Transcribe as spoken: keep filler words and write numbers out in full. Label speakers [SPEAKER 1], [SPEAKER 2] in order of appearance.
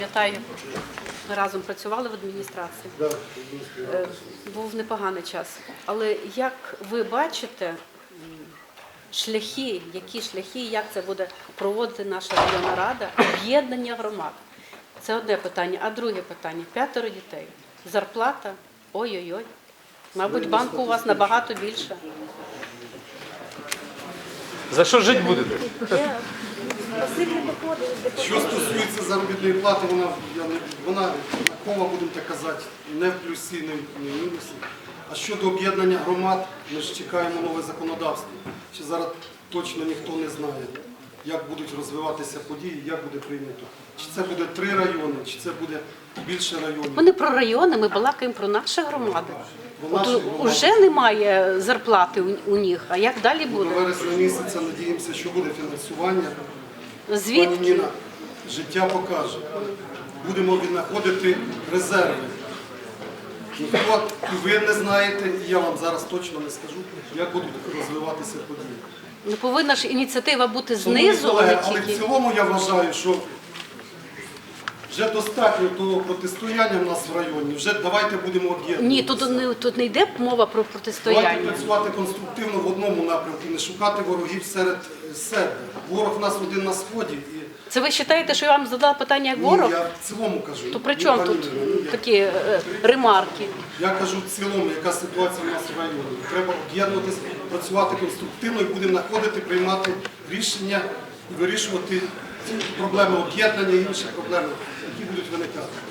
[SPEAKER 1] Пам'ятаю, ми разом працювали в адміністрації. Е, Був непоганий час. Але як ви бачите м, шляхи, які шляхи, як це буде проводити наша районна рада, об'єднання громад? Це одне питання. А друге питання – п'ятеро дітей. Зарплата? Ой-ой-ой. Мабуть, банку у вас набагато більше.
[SPEAKER 2] За що жити будете?
[SPEAKER 3] Що стосується заробітної плати, вона, я не- вона такова, будемо так казати, не в плюсі, не в мінусі. А щодо об'єднання громад, ми ж чекаємо нове законодавство. Ще зараз точно ніхто не знає, як будуть розвиватися події, як буде прийнято. Чи це буде три райони, чи це буде більше районів.
[SPEAKER 1] Ми не про райони, ми балакаємо про наші громади.
[SPEAKER 3] Про наші
[SPEAKER 1] От
[SPEAKER 3] громади.
[SPEAKER 1] уже немає зарплати у, у них, а як далі
[SPEAKER 3] До
[SPEAKER 1] буде?
[SPEAKER 3] вересня місяця надіємося, що буде фінансування. Пані
[SPEAKER 1] Звідки?
[SPEAKER 3] Ніна, життя покаже. Будемо віднаходити резерви. Ніхто, і ви не знаєте, і я вам зараз точно не скажу, як будуть розвиватися події.
[SPEAKER 1] Ну, повинна ж ініціатива бути
[SPEAKER 3] Шановні
[SPEAKER 1] знизу, а
[SPEAKER 3] колеги,
[SPEAKER 1] не
[SPEAKER 3] але в
[SPEAKER 1] тільки.
[SPEAKER 3] цілому я вважаю, що вже достатньо того протистояння в нас в районі, вже давайте будемо об'єднуватися.
[SPEAKER 1] Ні, тут не, тут не йде мова про
[SPEAKER 3] Давайте
[SPEAKER 1] протистояння.
[SPEAKER 3] працювати конструктивно в одному напрямку, не шукати ворогів серед себе. Ворог в нас один на сході. І...
[SPEAKER 1] Це ви вважаєте, що я вам задала питання як ворог?
[SPEAKER 3] Ні, я в цілому кажу.
[SPEAKER 1] То при
[SPEAKER 3] Ні,
[SPEAKER 1] чому
[SPEAKER 3] пані
[SPEAKER 1] тут
[SPEAKER 3] Ніно, ні, я-
[SPEAKER 1] такі е, ремарки?
[SPEAKER 3] Я кажу в цілому, яка ситуація в нас в районі. Треба об'єднуватися, працювати конструктивно і будемо знаходити, приймати рішення і вирішувати ці проблеми об'єднання і інші проблеми, які будуть виникати.